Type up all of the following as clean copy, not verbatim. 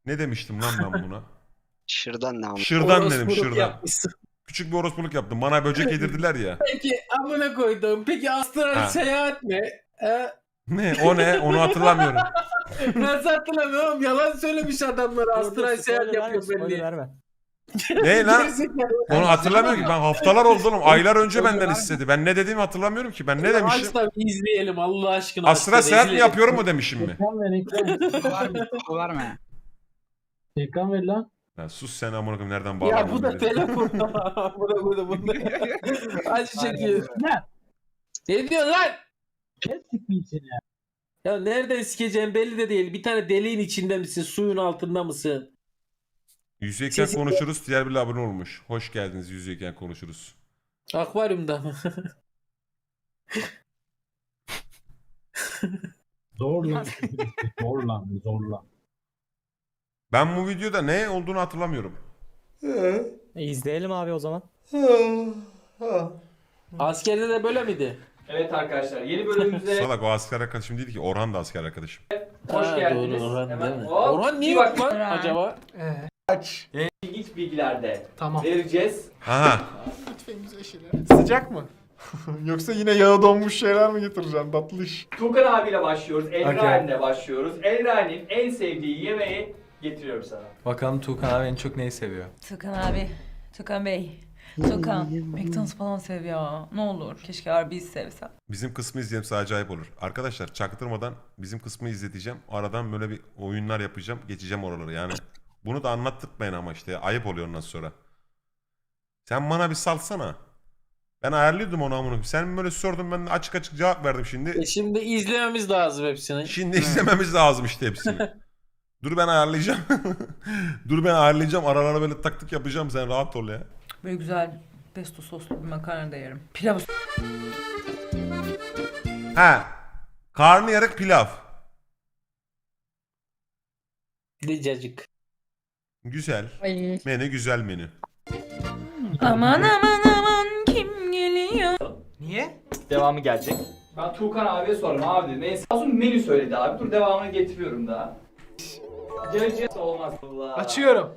Ne demiştim lan ben buna? Şırdan ne ama? Şırdan dedim, Orospuluk şırdan. yapmışsın. Küçük bir orospuluk yaptım. Bana böcek yedirdiler ya. Peki amına koydum. Peki astral Ha. seyahat mi? Ne? O ne? Onu hatırlamıyorum. Nasıl hatırlamıyorum? Yalan söylemiş adamlar. Astral seyahat yapıyor belli. verme. Ne lan? Gerizekalı. Onu hatırlamıyorum ki. Ben haftalar oldu oğlum. Aylar önce benden istedi. Ben ne dediğimi hatırlamıyorum ki. Ben ne demişim? Aç da izleyelim Allah aşkına. Astral Aç da seyahat mi izleyelim. yapıyorum mu demişim mi? Ekran ver ekran. Var mı? Ekran ver lan. Ya sus sen amına koyayım, nereden Ya bağlandın? bu da beni? telefon. bu da. Acı çekiyor. Ne? Ne diyorsun lan? Kes sikmeyin seni ya. Ya nereden sikeceğim belli de değil. Bir tane deliğin içinde misin? Suyun altında mısın? Yüzeyken Sesi- konuşuruz. Diğer bir abone olmuş. Hoş geldiniz, yüzeyken konuşuruz. Akvaryumda mı? Zorla. Zorla. Ben bu videoda ne olduğunu hatırlamıyorum. İzleyelim abi o zaman. Askerde de böyle miydi? Evet arkadaşlar yeni bölümümüze Salak, o asker arkadaşım değil ki. Orhan da asker arkadaşım. hoş Ha, geldiniz. Doğru, Orhan, Hemen değil mi? hop, Orhan niye bir yok bak- lan acaba? İlginç bilgilerde Tamam. vereceğiz. Aha. Lütfen güzel şeyler. Sıcak mı? Yoksa yine yağı donmuş şeyler mi getireceğim? Tatlı iş. Tuğkan abiyle başlıyoruz. Okey. Elrain'le başlıyoruz. Elrain'in en sevdiği yemeği getiriyorum sana. Bakalım Tuğkan abi en çok neyi seviyor? Tukan abi, Tukan Bey, Tukan, McDonald's falan sev ya. Ne olur, keşke Arby's sevsem. Bizim kısmı izleyelim, sadece acayip olur. Arkadaşlar çaktırmadan bizim kısmı izleteceğim. Aradan böyle bir oyunlar yapacağım. Geçeceğim oraları yani. Bunu da anlattırmayın ama işte. Ayıp oluyor ondan sonra. Sen bana bir salsana. Ben ayarlıyordum onu amına koyayım. Sen böyle sordun, ben de açık açık cevap verdim şimdi. Şimdi izlememiz lazım hepsini. Şimdi izlememiz lazım işte hepsini. Dur ben ayarlayacağım. Dur ben ayarlayacağım. Aralara böyle taktık yapacağım. Sen rahat ol ya. Böyle güzel pesto soslu bir makarna da yerim. Pilav Ha. Karnıyarık pilav. Licacık. Güzel. Ay. Menü güzel menü. Aman aman aman kim geliyor? Niye? Devamı gelecek. Ben Tuğkan abiye sordum abi dedim. Neyse. Azun menü söyledi abi. Dur devamını getiriyorum daha. Geleceğiz olmaz. Allah. Açıyorum.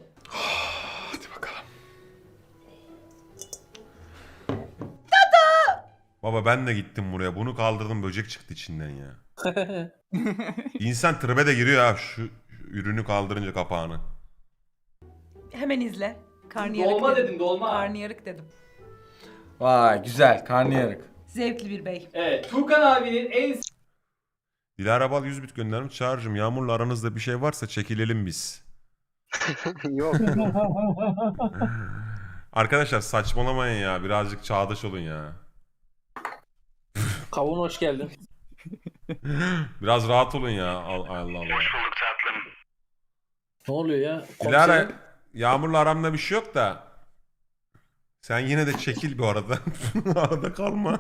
Baba ben de gittim buraya. Bunu kaldırdım, böcek çıktı içinden ya. İnsan tribe de giriyor ha şu ürünü kaldırınca kapağını. Hemen izle. Karnıyarık Dolma dedim. dedin dolma. Karnıyarık dedim. Vay güzel karnıyarık. Zevkli bir bey. Evet. Tuğkan abinin en Dilara Bal 100 bit göndermiş. Çağrı'cığım, Yağmur'la aranızda bir şey varsa çekilelim biz. Yok. Arkadaşlar saçmalamayın ya. Birazcık çağdaş olun ya. Kavun hoş geldin. Biraz rahat olun ya. Allah Allah. Ne oluyor ya? Dilara, Komiserim. Yağmur'la aramda bir şey yok da. Sen yine de çekil bir arada. Arada kalma.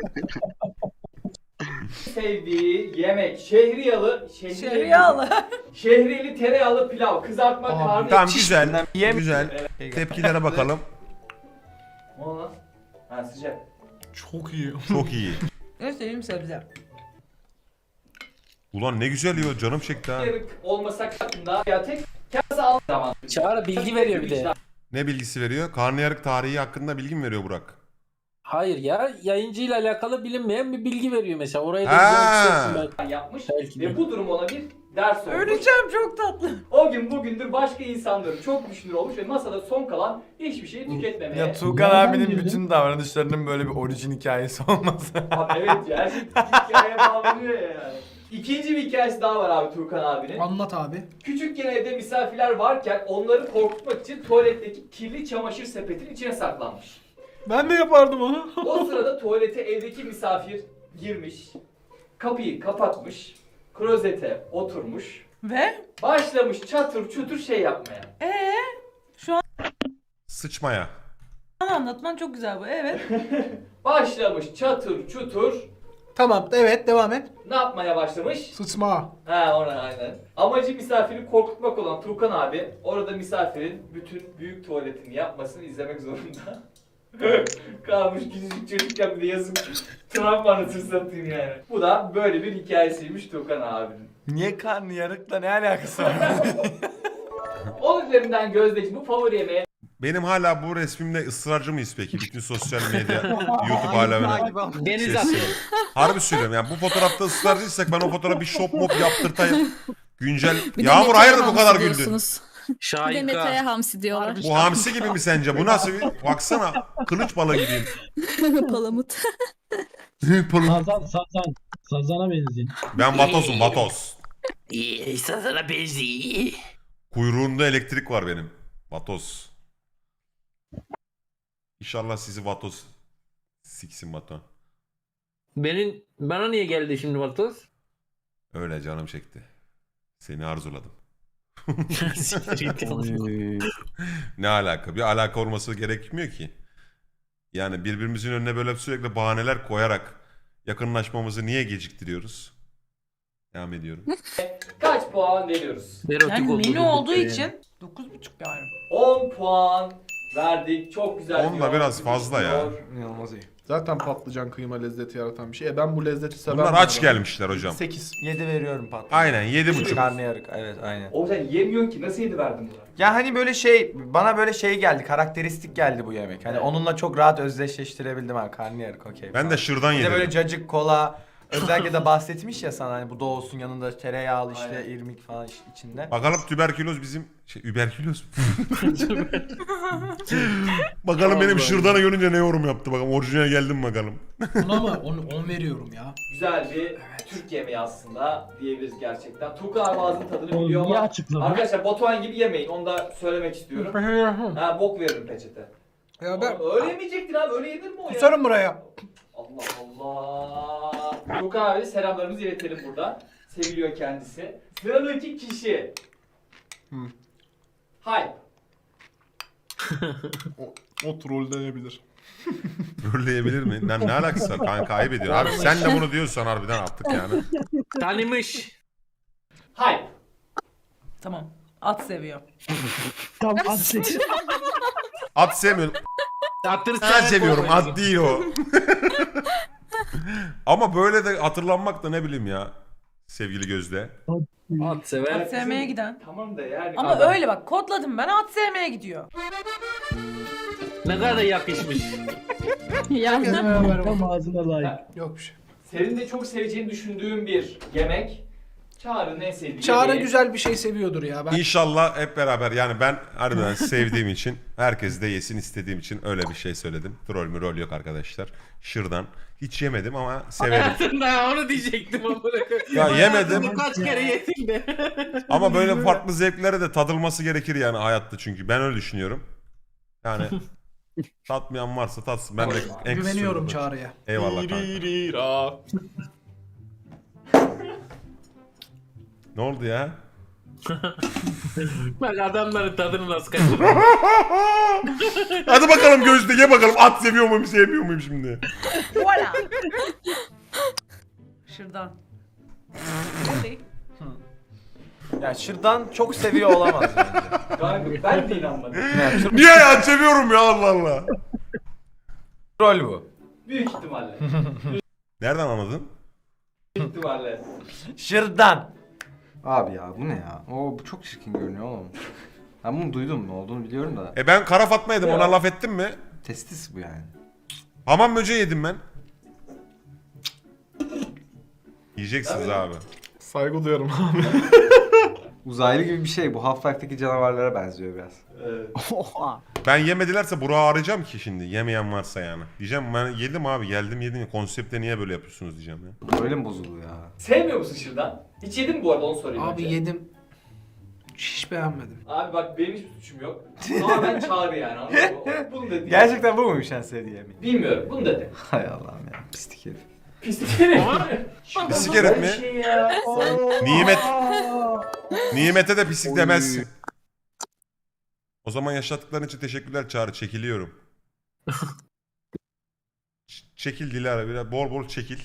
sevdiği yemek şehriyalı Şeriyalı. şehriyeli tereyağlı pilav, kızartma karnı. Tamam güzel. Güzel. Tepkilere bakalım. Ne oldu lan? Ha sıcak. Çok iyi. Çok iyi. Ne seveyim sebze. Ulan ne güzel yiyor. Canım çekti ha. Yarık olmasak hakkında ya tek kase al zaman. Çağrı bilgi veriyor bir de. Ne bilgisi veriyor? Karnıyarık tarihi hakkında bilgi mi veriyor Burak? Hayır ya yayıncıyla alakalı bilinmeyen bir bilgi veriyor mesela. Orayı da Ha. güzel belki. Yapmış Belki de. ve bu durum ona bir ders olmuş. Öleceğim, çok tatlı. O gün bugündür başka insanların çok düşünür olmuş ve masada son kalan hiçbir şeyi tüketmemeye. Ya Tuğkan abinin bütün davranışlarının böyle bir orijin hikayesi olması. Abi evet ya her şey hikayeye bağlanıyor ya yani. İkinci bir hikayesi daha var abi Tuğkan abinin. Anlat abi. Küçükken evde misafirler varken onları korkutmak için tuvaletteki kirli çamaşır sepetin içine saklanmış. Ben de yapardım onu. O sırada tuvalete evdeki misafir girmiş, kapıyı kapatmış, klozete oturmuş, Ve? başlamış çatır çutur şey yapmaya. Sıçmaya. Bana anlatman çok güzel bu, evet. Başlamış çatır çutur, Tamam evet devam et. ne yapmaya başlamış? Sıçma. Ha ona aynen. Amacı misafiri korkutmak olan Tuğkan abi orada misafirin bütün büyük tuvaletini yapmasını izlemek zorunda. Kalmış küçücük çocukken bir de yazık travma anasını satayım yani. Bu da böyle bir hikayesiymiş Tuğkan abinin. Niye karnıyarıkla ne alakası var? 10 üzerinden Gözdeciğim bu favori yemeğe Benim hala bu resmimde ısrarcı mıyız peki? Bütün sosyal medya, YouTube alemine. Deniz Ses- atıyor. Harbi söylüyorum yani bu fotoğrafta ısrarcıysak ben o fotoğrafı bir shop mop yaptırtayım. Güncel. Bir de Yağmur Mete'ye hayırdır bu hamsi kadar güldün? diyorsunuz. Bir de Şahika. Mete'ye hamsi diyorlar. Bu hamsi gibi mi sence? Bu nasıl bir... Baksana kılıç balığı gibiyim. Palamut. Sazana benziyor. Ben vatozum vatoz. İyi sana benziyor. Kuyruğunda elektrik var benim. Vatoz. İnşallah sizi vatoz siksin Batuhan. Bana niye geldi şimdi Vatoz? Öyle canım çekti. Seni arzuladım. Ne alaka? Bir alaka olması gerekmiyor ki. Yani birbirimizin önüne böyle sürekli bahaneler koyarak yakınlaşmamızı niye geciktiriyoruz? Devam ediyorum. kaç puan veriyoruz? Yani menü olduğu için 9,5 yani. 10 puan verdik. Çok güzel. 10 da biraz fazla ya. İnanılmaz iyi. Zaten patlıcan kıyma lezzeti yaratan bir şey. Ben bu lezzeti severim. Bunlar aç gelmişler hocam. 8. 7 veriyorum patlıcan. Aynen 7,5. Karnıyarık evet aynen. O sen yemiyorsun ki nasıl yedi verdin buna? Ya hani böyle bana böyle geldi, karakteristik geldi bu yemek. Hani onunla çok rahat özdeşleştirebildim ha, karnıyarık okey. Ben de şırdan Bir de böyle yedim. cacık, kola, özellikle de bahsetmiş ya sana hani bu da olsun yanında tereyağlı işte Aynen. irmik falan içinde. Bakalım tüberküloz bizim überküloz. Bakalım benim şırdanı görünce ne yorum yaptı bakalım. Orijinal geldim bakalım. Buna mı? 10 veriyorum ya. Güzel bir Türk yemeği aslında diyebiliriz gerçekten. Tuğkan abi ağzının tadını O biliyor niye ama açıklama? arkadaşlar Batuhan gibi yemeyin. Onu da söylemek istiyorum. Ha bok veririm peçete. Ya Oğlum, öyle yemeyecektin abi. Öyle yenir mi o ya? Kusarım buraya. Allah Allah. Tuğkan abi selamlarımızı iletelim burada. Seviliyor kendisi. Sıradaki kişi. Hayır. O troll denebilir. Trolleyebilir mi? Ne alakası var? Kanka kaybediyor. Abi sen de bunu diyorsan harbiden attık yani. Tanımış. Hayır. Tamam. At seviyor. Tam At sevmiyorum. Atır Ben seviyorum. At değil o. Ama böyle de hatırlanmak da ne bileyim ya. Sevgili Gözde. At sever. At sevmeye giden. Tamam da yani. Ama adam- öyle bak kodladım ben at sevmeye gidiyor. Ne kadar yakışmış. Yani Tam ağzına layık. Yok bir şey. Senin de çok seveceğini düşündüğüm bir yemek. Çağrı'nın en sevdiği Çağrı yemeği. güzel bir şey seviyordur ya. Ben İnşallah hep beraber yani ben harbiden sevdiğim için herkes de yesin istediğim için öyle bir şey söyledim. Troll mü rol yok arkadaşlar. Şırdan. Hiç yemedim ama severim. Hayatımda onu diyecektim ama Ya yemedim. Hayatımda kaç kere yedim de. Ama böyle farklı zevklere de tadılması gerekir yani hayatta çünkü. Ben öyle düşünüyorum. Yani tatmayan varsa tatsın. Ben de en kısa güveniyorum sürede- Çağrı'ya. Eyvallah kanka. Ne oldu ya? Bak adamların tadını nasıl kaçırıyor. Hadi bakalım Gözde ye bakalım at seviyor muyum sevmiyor muyum şimdi? Voila. Şırdan. Hadi. Ya şırdan çok seviyor olamaz bence. Kanka ben de inanmadım. Niye ya seviyorum ya Allah Allah. Troll bu. Büyük ihtimalle. Nereden anladın? Büyük ihtimalle. Şırdan. Abi ya bu ne ya? Bu çok çirkin görünüyor oğlum. Ben bunu duydum, ne olduğunu biliyorum da. Ben kara Fatma yedim ona laf ettim mi? Testis bu yani. Hamam böceği yedim ben. Yiyeceksiniz abi. Saygı duyarım abi. Uzaylı gibi bir şey bu. Half-Life'deki canavarlara benziyor biraz. Ben yemedilerse Burak'ı arayacağım ki şimdi. Yemeyen varsa yani. Diyeceğim ben yedim abi geldim yedim. Konsepte niye böyle yapıyorsunuz diyeceğim ya. Öyle mi bozuluyor ya? Sevmiyor musun şırdan? Hiç yedin mi bu arada onu sorayım Abi önce. yedim. Hiç beğenmedim. Abi bak benim hiçbir suçum yok. Ama ben Çağrı yani anladın mı? Bunu dedi. Gerçekten bu muymuş en sevdiği yemek? Bilmiyorum bunu dedi. Hay Allah'ım ya. Pislik herif. Pislik herif. Pislik herif mi? Bir şey ya. Nimet. Nimete de pislik demezsin. O zaman yaşattıkların için teşekkürler Çağrı. Çekiliyorum. Çekil Dilara biraz. Bol bol çekil.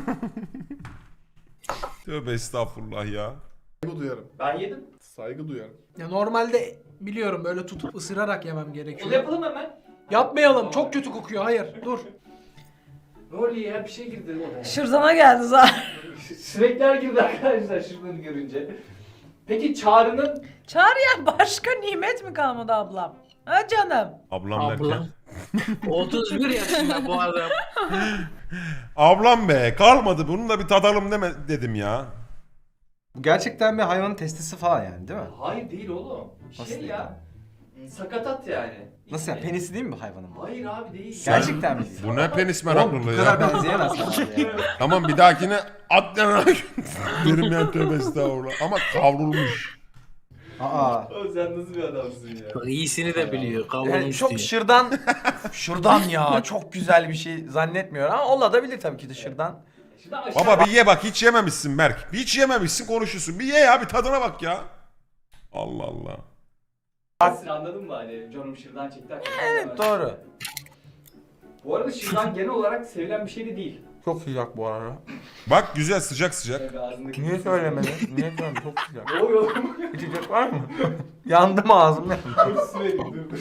Tövbe estağfurullah ya. Saygı duyarım. Ben yedim. Saygı duyarım. Ya normalde biliyorum böyle tutup ısırarak yemem Onu gerekiyor. yapalım hemen. Yapmayalım. Çok kötü kokuyor. Hayır. Dur. Ne oluyor ya bir şey girdi oraya. Şırdana geldi zaten. Sinekler girdi arkadaşlar şırdanı görünce. Peki Çağrı'nın Çağrı'ya başka nimet mi kalmadı ablam? Ha canım. Ablam derken. Ablam. 31 yaşında bu adam. Ablam be kalmadı bunu da bir tadalım deme dedim ya. Bu gerçekten bir hayvanın testisi falan yani değil mi? hayır değil oğlum. Nasıl Şey değil ya. Sakatat yani. Nasıl yani? Penisi değil mi bu hayvanın? Hayır abi değil. Gerçekten mi? Bu ne penis Oğlum meraklılığı bu kadar ya. benzeyemez abi ya. Tamam bir dahakine at yana. Benim yani tövbe estağfurullah. Ama kavrulmuş. Aa. Oğlum sen nasıl bir adamsın ya? Bak iyisini de biliyor. Yani Kavrulmuş çok diyor. şırdan ya çok güzel bir şey zannetmiyorum ama olabilir tabii ki de şırdan. Şimdi aşağı Baba bir ye bak hiç yememişsin Berk. Hiç yememişsin konuşuyorsun. Bir ye ya bir tadına bak ya. Allah Allah. baksın, anladın mı hani canım şırdan çekti. Evet doğru. Bu arada şırdan genel olarak sevilen bir şey de değil. Çok sıcak bu arada. Bak güzel sıcak sıcak. Yani ağzındaki Niye söylemedin? Niye söylemedin? Çok sıcak. Ne oluyor oğlum? İçecek var mı? Yandım ağzım yandı. Sürekli durdu.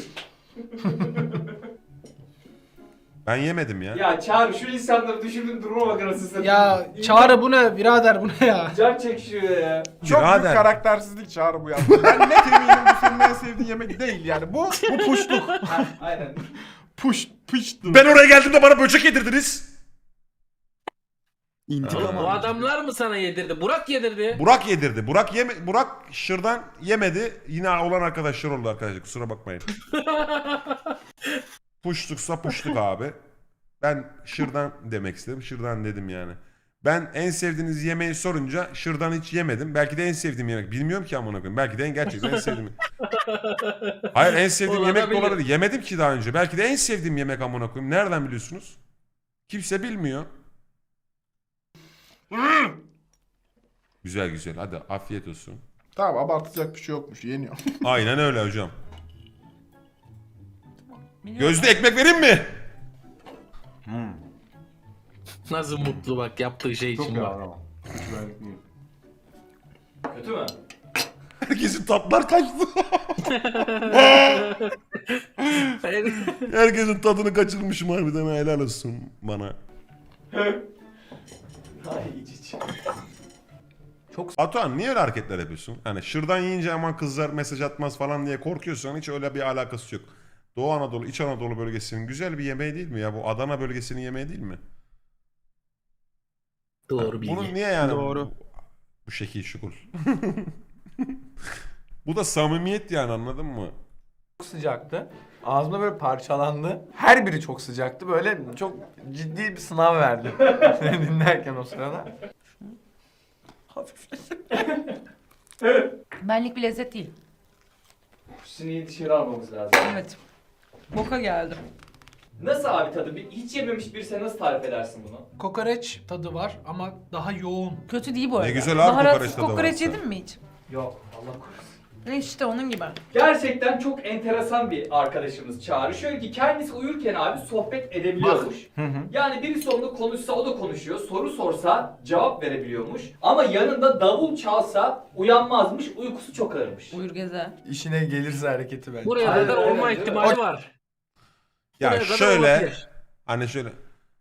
Ben yemedim ya. Ya Çağrı şu insanları düşürdüğün duruma bak anasını satayım. Ya Çağrı bu ne birader bu ne ya? Can çekişiyor ya. Çok büyük Birader. karaktersizlik Çağrı bu yaptı. Ben net eminim bu senin en sevdiğin yemek değil yani. Bu puşluk. Aynen. Pıştı. Ben oraya geldiğimde bana böcek yedirdiniz. Oğlum, bu adamlar mı sana yedirdi? Burak yedirdi. Burak yedirdi. Burak şırdan yemedi. Yine olan arkadaşlar oldu arkadaşlar. Kusura bakmayın. Puştuksa puştuk abi. Ben şırdan demek istedim. Şırdan dedim yani. Ben en sevdiğiniz yemeği sorunca şırdan hiç yemedim. Belki de en sevdiğim yemek. Bilmiyorum ki amına koyayım. Belki de gerçekten en sevdiğim. Hayır en sevdiğim yemek de Olabilir. olabilir. Yemedim ki daha önce. Belki de en sevdiğim yemek amına koyayım. Nereden biliyorsunuz? Kimse bilmiyor. Güzel güzel. Hadi afiyet olsun. Tamam abartacak bir şey yokmuş. Yeniyor. Aynen öyle hocam. Biliyorum. Gözde ekmek vereyim mi? Nasıl mutlu bak yaptığı şey Çok için ya bak. ama. Hiç benlik değil. Kötü mü? Herkesin tatlar kaçtı. Herkesin tadını kaçırmışım harbiden helal olsun bana. Ay iç iç. Batuhan niye öyle hareketler yapıyorsun? Hani şırdan yiyince aman kızlar mesaj atmaz falan diye korkuyorsan hiç öyle bir alakası yok. Doğu Anadolu, İç Anadolu bölgesinin güzel bir yemeği değil mi ya? Bu Adana bölgesinin yemeği değil mi? Doğru bilgi. Bunun niye yani Doğru. bu şekil şukul? Bu da samimiyet yani anladın mı? Çok sıcaktı. Ağzımda böyle parçalandı. Her biri çok sıcaktı. Böyle çok ciddi bir sınav verdim. Seni dinlerken o sırada. Hafif. Benlik bir lezzet değil. Sineği dışarı almamız lazım. Evet. Boka geldim. Nasıl abi tadı? Hiç yememiş birisi nasıl tarif edersin bunu? Kokoreç tadı var ama daha yoğun. Kötü değil bu arada. Ne güzel abi Baharatsız kokoreç tadı kokoreç varsa. yedin mi hiç? Yok Allah korusun. İşte onun gibi. Gerçekten çok enteresan bir arkadaşımız Çağrı. Şöyle ki kendisi uyurken abi sohbet edebiliyormuş. Yani birisi onunla konuşsa o da konuşuyor. Soru sorsa cevap verebiliyormuş. Ama yanında davul çalsa uyanmazmış. Uykusu çok ağırmış. Uyur gezer. İşine gelirse hareketi bence. Buraya Aynen kadar öyle, olma değil mi? ihtimali var. Ya Buraya kadar şöyle olabilir. hani şöyle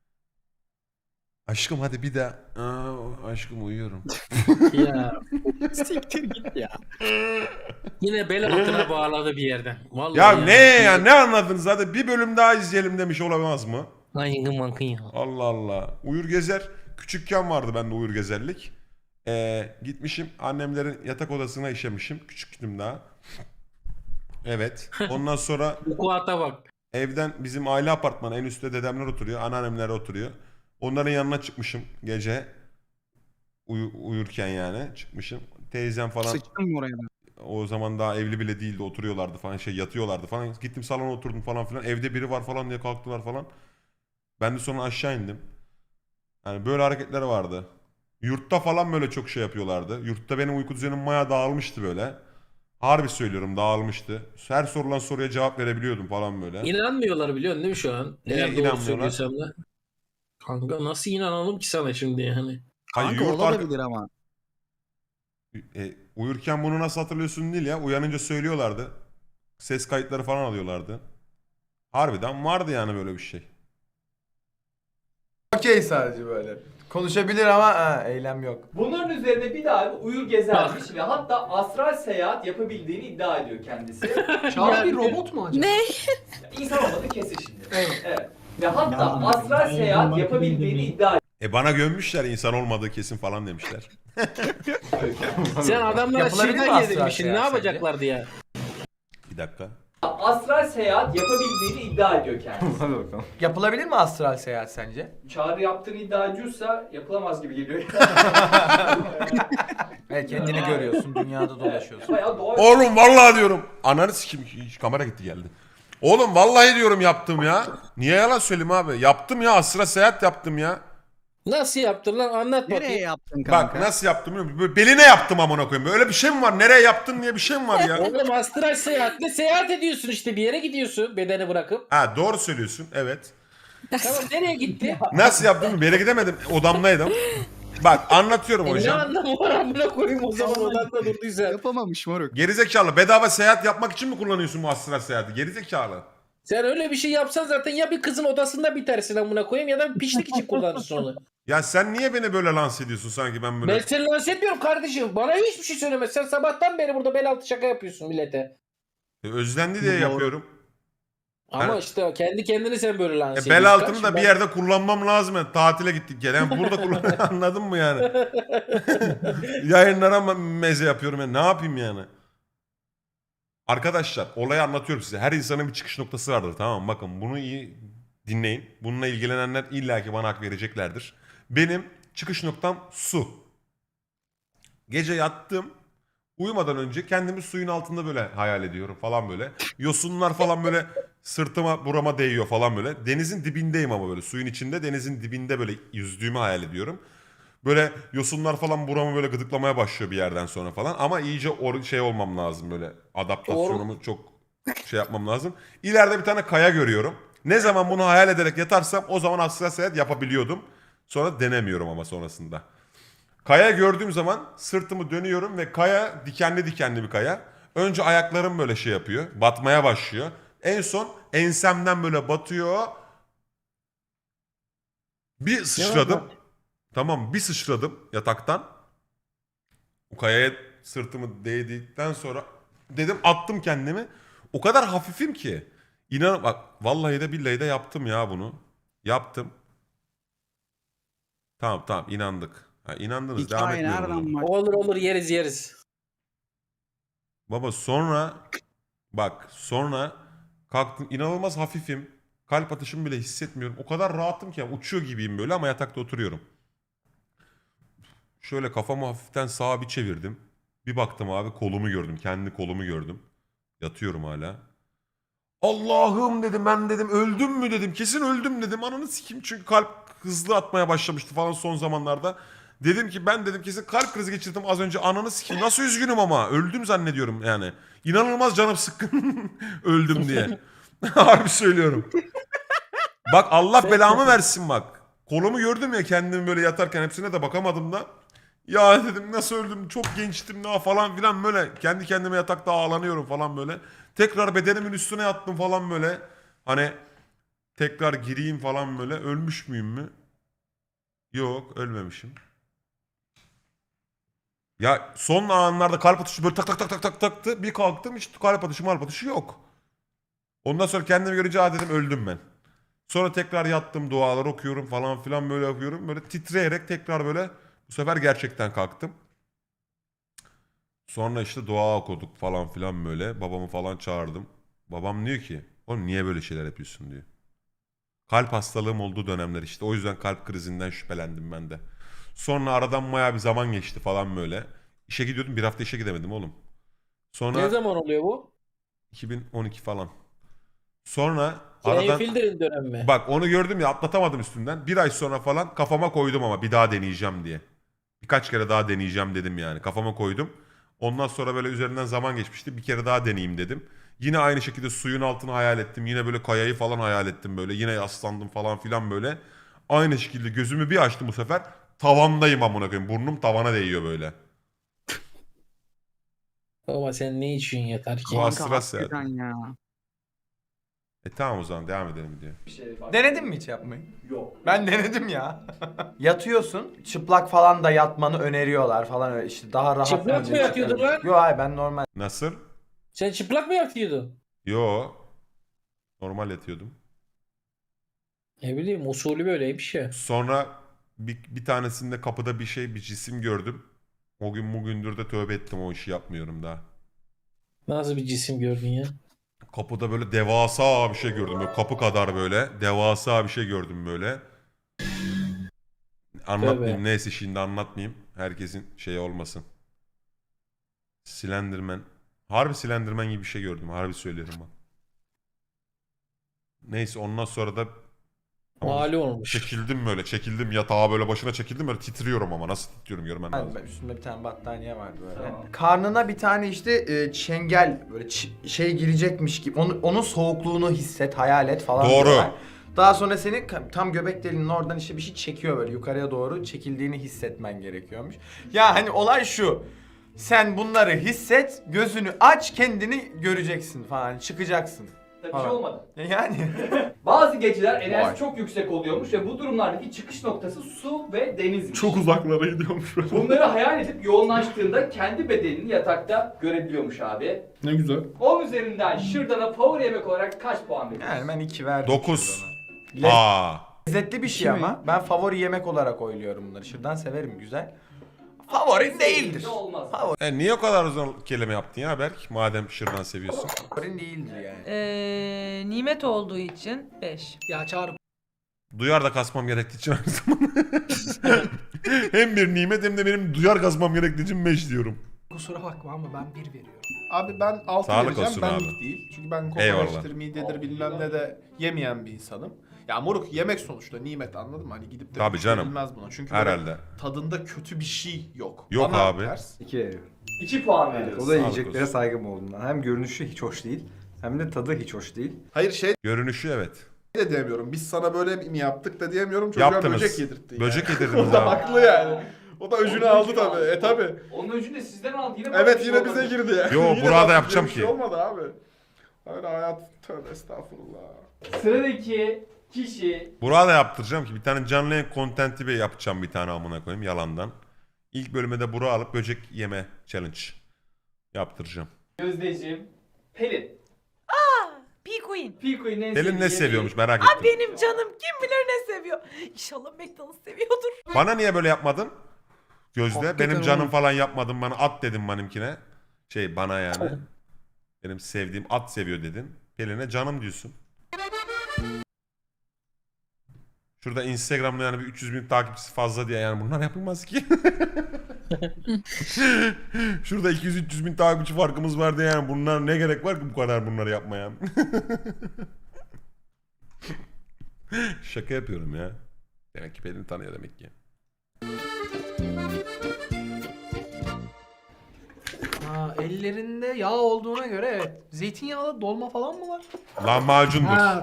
aşkım hadi bir daha. Aşkım uyuyorum. Ya. Siktir git ya. Yine bel altına bağladı bir yerden. Vallahi Ya ne ya ne anladınız hadi bir bölüm daha izleyelim demiş olamaz mı? Ayın mankın ya. Allah Allah. Uyur Gezer küçükken vardı bende Uyur Gezerlik. Gitmişim annemlerin yatak odasına işemişim. Küçüktüm daha. Evet. Ondan sonra Bu kuata bak. evden bizim aile apartmanı en üstte dedemler oturuyor. Anneannemler oturuyor. Onların yanına çıkmışım gece. Uyurken yani çıkmışım. Teyzem falan Sıçtın mı oraya da? o zaman daha evli bile değildi oturuyorlardı falan yatıyorlardı falan. Gittim salona oturdum falan filan. Evde biri var falan diye kalktılar falan. Ben de sonra aşağı indim. Yani böyle hareketler vardı. Yurtta falan böyle çok şey yapıyorlardı. Yurtta benim uyku düzenim maya dağılmıştı böyle. Harbi söylüyorum dağılmıştı. Her sorulan soruya cevap verebiliyordum falan böyle. İnanmıyorlar biliyorsun değil mi şu an? Neye Eğer doğru inanmıyorlar? söylüyorsam da. Kanka nasıl inanalım ki sana şimdi yani? Hayır, yurt ama. uyurken bunu nasıl hatırlıyorsun değil ya. Uyanınca söylüyorlardı. Ses kayıtları falan alıyorlardı. Harbiden vardı yani böyle bir şey. Okey sadece böyle. Konuşabilir ama eylem yok. Bunların üzerine bir daha bir uyur gezermiş ve hatta astral seyahat yapabildiğini iddia ediyor kendisi. Çağrı bir robot mu acaba? Ne? İnsan olmadı kesin şimdi. Evet. Evet. Ve hatta Ya, astral ben seyahat marketing yapabildiğini demeyin. iddia Bana gömmüşler insan olmadığı kesin falan demişler. Sen adamlara Yapılabilir mi şırdan astral yedirmişsin. Ne seyahat yapacaklardı ya? Bir dakika. astral seyahat yapabildiğini iddia ediyor kendisi. Hadi bakalım. Yapılabilir mi astral seyahat sence? Çağrı yaptığını iddia ediyorsa yapılamaz gibi geliyor. Evet, kendini görüyorsun, dünyada dolaşıyorsun. Bayağı doğa Oğlum vallahi diyorum. Ananı sikim. Kamera gitti geldi. Oğlum vallahi diyorum yaptım ya. Niye yalan söyleyeyim abi? Yaptım ya. Asra seyahat yaptım ya. Nasıl yaptın lan? Anlat bakayım. yaptın Bak nasıl yaptım biliyor musun? Böyle beline yaptım amına koyayım. Böyle bir şey mi var? Nereye yaptın diye bir şey mi var ya? Oğlum astral seyahatle seyahat ediyorsun işte. Bir yere gidiyorsun bedeni bırakıp. Ha doğru söylüyorsun. Evet. Tamam nereye gitti? Nasıl yaptım? Bir yere gidemedim. Odamdaydım. Bak anlatıyorum Ne hocam. anlamı var amına koyayım o zaman odanda durduysa. Yapamamış moruk. Gerizekalı. Bedava seyahat yapmak için mi kullanıyorsun bu astral seyahati? Gerizekalı. Sen öyle bir şey yapsan zaten ya bir kızın odasında bitersin amına koyayım ya da bir piçlik için kullanırsın onu. Ya sen niye beni böyle lanse ediyorsun sanki ben böyle... Ben seni lanse etmiyorum kardeşim. Bana hiçbir şey söyleme. Sen sabahtan beri burada bel altı şaka yapıyorsun millete. Özlendi diye yapıyorum. Ama Yani- işte kendi kendini sen böyle lanse ediyorsun. Bel altını da kardeşim. bir yerde kullanmam lazım. Yani tatile gittik gene. Yani burada kullan anladın mı yani? Yayınlara meze yapıyorum yani. Ne yapayım yani? Arkadaşlar olayı anlatıyorum size. Her insanın bir çıkış noktası vardır tamam mı? Bakın bunu iyi dinleyin. Bununla ilgilenenler illaki bana hak vereceklerdir. Benim çıkış noktam su. Gece yattım. Uyumadan önce kendimi suyun altında böyle hayal ediyorum falan böyle. Yosunlar falan böyle sırtıma burama değiyor falan böyle. Denizin dibindeyim ama böyle suyun içinde denizin dibinde böyle yüzdüğümü hayal ediyorum. Böyle yosunlar falan buramı böyle gıdıklamaya başlıyor bir yerden sonra falan. Ama iyice şey olmam lazım böyle adaptasyonumu çok şey yapmam lazım. İleride bir tane kaya görüyorum. Ne zaman bunu hayal ederek yatarsam o zaman astral seyahat yapabiliyordum. Sonra denemiyorum ama sonrasında. Kaya gördüğüm zaman sırtımı dönüyorum ve kaya dikenli dikenli bir kaya. Önce ayaklarım böyle şey yapıyor. Batmaya başlıyor. En son ensemden böyle batıyor. Bir sıçradım. Tamam bir sıçradım yataktan. O kayaya sırtımı değdikten sonra dedim attım kendimi. O kadar hafifim ki. İnan bak vallahi de billahi de yaptım ya bunu. Yaptım. Tamam inandık. Ha, inandınız devam etmiyorum. o zaman. Olur yeriz yeriz. Baba sonra kalktım inanılmaz hafifim. Kalp atışımı bile hissetmiyorum. O kadar rahatım ki yani uçuyor gibiyim böyle ama yatakta oturuyorum. Şöyle kafamı hafiften sağa bir çevirdim. Bir baktım abi kolumu gördüm. Kendi kolumu gördüm. Yatıyorum hala. Allah'ım dedim ben dedim öldüm mü dedim. Kesin öldüm dedim. Ananı sikeyim çünkü kalp hızlı atmaya başlamıştı falan son zamanlarda. Dedim ki ben dedim kesin kalp krizi geçirdim az önce ananı sikeyim. Nasıl üzgünüm ama öldüm zannediyorum yani. İnanılmaz canım sıkkın öldüm diye. Harbi söylüyorum. Bak Allah belamı versin bak. Kolumu gördüm ya kendimi böyle yatarken hepsine de bakamadım da. Ya dedim nasıl öldüm çok gençtim daha falan filan böyle. Kendi kendime yatakta ağlanıyorum falan böyle. Tekrar bedenimin üstüne yattım falan böyle. Hani tekrar gireyim falan böyle. Ölmüş müyüm mü? Yok ölmemişim. Ya son anlarda kalp atışı böyle tak tak tak tak tak taktı. Bir kalktım hiç kalp atışı yok. Ondan sonra kendimi görünce dedim öldüm ben. Sonra tekrar yattım dualar okuyorum falan filan böyle okuyorum. Böyle titreyerek tekrar böyle bu sefer gerçekten kalktım. Sonra işte dua okuduk falan filan böyle. Babamı falan çağırdım. Babam diyor ki oğlum niye böyle şeyler yapıyorsun diyor. Kalp hastalığım olduğu dönemler işte. O yüzden kalp krizinden şüphelendim ben de. Sonra aradan bayağı bir zaman geçti falan böyle. İşe gidiyordum bir hafta işe gidemedim oğlum. Sonra Ne zaman oluyor bu? 2012 falan. Sonra Senin aradan... Filder'in dönemi mi? Bak onu gördüm ya atlatamadım üstünden. Bir ay sonra falan kafama koydum ama bir daha deneyeceğim diye. Birkaç kere daha deneyeceğim dedim yani. Kafama koydum. Ondan sonra böyle üzerinden zaman geçmişti. Bir kere daha deneyeyim dedim. Yine aynı şekilde suyun altını hayal ettim. Yine böyle kayayı falan hayal ettim böyle. Yine yaslandım falan filan böyle. Aynı şekilde gözümü bir açtım bu sefer. Tavandayım amına koyayım. Burnum tavana değiyor böyle. Ama sen ne için yatar ki? Bu astral seyahat. Tamam o zaman devam edelim diyor. Bir şey var. Denedin mi hiç yapmayı? Yok. Ben denedim ya. Yatıyorsun. Çıplak falan da yatmanı öneriyorlar falan öyle işte daha rahat. Çıplak mı yatıyordun lan? Yok hayır ben normal. Nasıl? Sen çıplak mı yatıyordun? Yo. Normal yatıyordum. Ne bileyim usulü böyleymiş ya. Sonra bir tanesinde kapıda bir cisim gördüm. O gün bugündür de tövbe ettim, o işi yapmıyorum daha. Nasıl bir cisim gördün ya? Kapıda böyle devasa bir şey gördüm. Böyle kapı kadar böyle devasa bir şey gördüm böyle. Anlatmayayım. Tövbe. Neyse şimdi anlatmayayım. Herkesin şeyi olmasın. Slenderman. Harbi Slenderman gibi bir şey gördüm. Harbi söylerim bak. Neyse ondan sonra da Mali olmuş. çekildim böyle. Çekildim yatağa böyle başına çekildim böyle titriyorum ama nasıl titriyorum görmen lazım. Ben üstümde bir tane battaniye vardı böyle. Tamam. Karnına bir tane işte çengel böyle şey girecekmiş gibi onun soğukluğunu hisset, hayal et falan. Doğru. diyorlar. Daha sonra seni tam göbek deliğinin oradan işte bir şey çekiyor böyle yukarıya doğru çekildiğini hissetmen gerekiyormuş. Ya hani olay şu. Sen bunları hisset, gözünü aç, kendini göreceksin falan, çıkacaksın. Tabii bir şey olmadı. Yani Bazı geceler enerjisi Vay. çok yüksek oluyormuş ve bu durumlardaki çıkış noktası su ve denizmiş. Çok uzaklara gidiyormuş böyle. Bunları hayal edip yoğunlaştığında kendi bedenini yatakta görebiliyormuş abi. Ne güzel. 10 üzerinden şırdana favori yemek olarak kaç puan veriyorsun? yani ben 2 verdim. 9. şırdana. Aa. Lezzetli bir şey ama ben favori yemek olarak oyluyorum bunları. Şırdan severim güzel. Favorin değildir. Ne olmaz. Niye o kadar uzun kelime yaptın ya Berk? Madem şırdan seviyorsun. Favorin değildir yani. Nimet olduğu için 5. Ya Çağrı Duyar da kasmam gerektiği için aynı zamanda. Hem bir nimet hem de benim duyar kasmam gerektiği için 5 diyorum. kusura bakma ama ben 1 veriyorum. Abi ben 6 Sağlık vereceğim, olsun benlik abi. değil. Çünkü ben Eyvallah. kokoreçtir, midedir bilmem ne de yemeyen bir insanım. Ya moruk yemek sonuçta nimet, anladın mı? Hani gidip de Tabii canım. bilmez buna. Çünkü böyle Herhalde. tadında kötü bir şey yok. Yok Bana abi. ters. 2 veriyorum. 2 puan Evet, veriyorsun. o da Sağlık yiyeceklere olsun. saygım olduğundan. Hem görünüşü hiç hoş değil, hem de tadı hiç hoş değil. Hayır şey Görünüşü evet. de diyemiyorum. Biz sana böyle mi yaptık da diyemiyorum. Çocuğa Yaptınız. böcek yedirttin yani. Böcek O yedirdiniz da abi. haklı yani. O da öcünü Onun aldı öcünü tabii. aldı. Tabii. Onun öcünü de sizden aldı. Yine bana bir Evet şey yine olmadı. bize girdi ya. Yo, Yine burada bak, yapacağım bir şey ki. olmadı abi. Öyle hayat, tövbe estağfurullah. Sıradaki kişi Burak'a da yaptıracağım ki bir tane canlı yayın content'i yapacağım bir tane amına koyayım yalandan. İlk bölüme de Burak'ı alıp böcek yeme challenge yaptıracağım. Gözdeciğim Pelin. P-Queen. P-Queen'in en Pelin sevdiği ne yemeği. seviyormuş merak Aa, ettim. benim canım kim bilir ne seviyor. İnşallah McDonald's seviyordur. Bana niye böyle yapmadın? Gözde. Hakikaten Benim canım oğlum. falan yapmadın bana at dedim benimkine. Bana yani. Benim sevdiğim at seviyor dedin. Pelin'e canım diyorsun. Şurada Instagram'da yani bir 300 bin takipçisi fazla diye yani bunlar yapılmaz ki. Şurada 200-300 bin takipçi farkımız var diye yani bunlar ne gerek var ki bu kadar bunları yapmaya? Şaka yapıyorum ya. Demek ki Pelin tanıyor demek ki. Ha, ellerinde yağ olduğuna göre evet. Zeytinyağlı dolma falan mı var? Lahmacundur. Ha.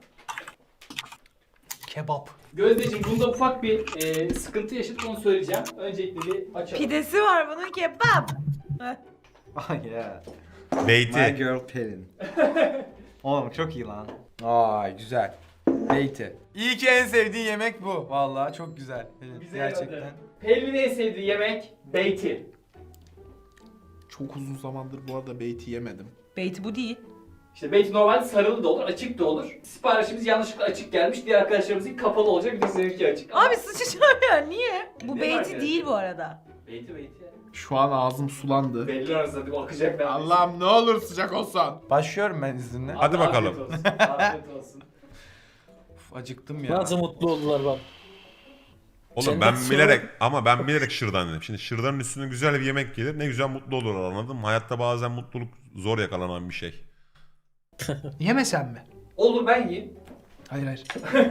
Kebap. Gözdeciğim bunda ufak bir sıkıntı yaşadık onu söyleyeceğim. Öncelikle bir açalım. Pidesi var bunun kebap. Ah yeah. My Beyti. girl Pelin. Oğlum çok iyi lan. Ay güzel. Beyti. İyi ki en sevdiğin yemek bu. Vallahi çok güzel. Evet, Bize gerçekten. yaradı. Pelin'in en sevdiği yemek beyti. Çok uzun zamandır bu arada beyti yemedim. Beyti bu değil. İşte beyti normalde sarılı da olur, açık da olur. Siparişimiz yanlışlıkla açık gelmiş. Diğer arkadaşlarımızın kapalı olacak. Bir de seninki açık. Ama Abi sıçacağım ya niye? Bu Ne beyti var değil bu arada. beyti yani. Şu an ağzım sulandı. Belli arasında bir akacak neredeyse. Allah'ım ne olur sıcak olsan. Başlıyorum ben izninle. Hadi Afiyet bakalım. olsun, Afiyet olsun. Uf, acıktım ya. Nasıl mutlu oldular bak. Oğlum Sen ben nasıl- bilerek şırdan dedim. Şimdi şırdanın üstüne güzel bir yemek gelir. Ne güzel mutlu olurlar anladın mı? Hayatta bazen mutluluk zor yakalanan bir şey. Yemesen mi? Olur ben yiyeyim. Hayır hayır.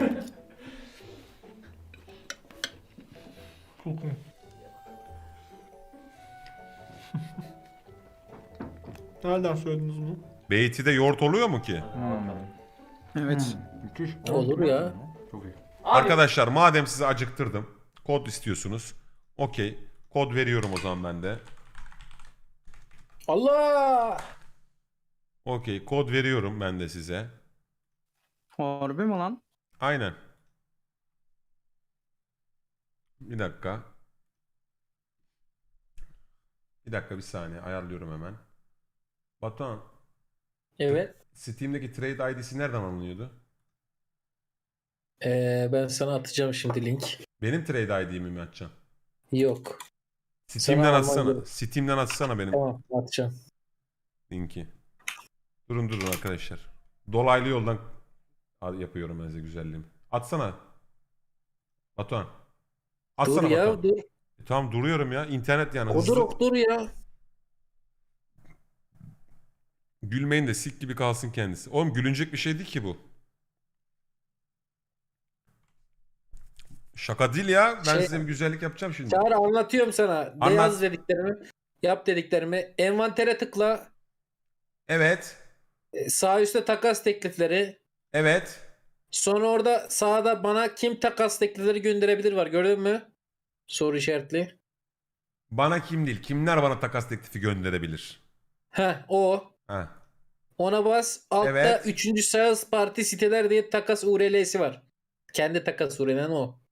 Nereden söylediniz bunu? Beyti'de yoğurt oluyor mu ki? Evet. Müthiş. Olur ya. Çok iyi. Abi, Arkadaşlar madem sizi acıktırdım. Kod istiyorsunuz. Okey. Kod veriyorum o zaman ben de. Allah! Okey. Kod veriyorum ben de size. Harbi mi lan? Aynen. Bir dakika. Bir saniye ayarlıyorum hemen. Batuhan, Evet. Steam'deki trade ID'si nereden alınıyordu? Ben sana atacağım şimdi link. Benim trade ID'mi mi açacaksın? Yok. Steam'den Sana atsana. alman Steam'den atsana benim Tamam atacağım. linki. Durun arkadaşlar. Dolaylı yoldan yapıyorum ben size güzelliğimi. Atsana. Batuhan. Atsana Dur ya Batuhan. dur. Tamam duruyorum ya. İnternet yani. Dur ya. Gülmeyin de sik gibi kalsın kendisi. Oğlum gülünecek bir şey değil ki bu. Şaka değil ya. Ben size bir güzellik yapacağım şimdi. Çağrı anlatıyorum sana. Anlat. Yaz dediklerimi. Yap dediklerimi. Envantere tıkla. Evet. Sağ üstte takas teklifleri. Evet. Sonra orada sağda bana kim takas teklifleri gönderebilir var. Gördün mü? Soru işaretli. Bana kim değil. Kimler bana takas teklifi gönderebilir? Heh o. Ha. Ona bas. Altta Evet. 3. sales parti siteler diye takas URL'si var. Kendi takas URL'den o.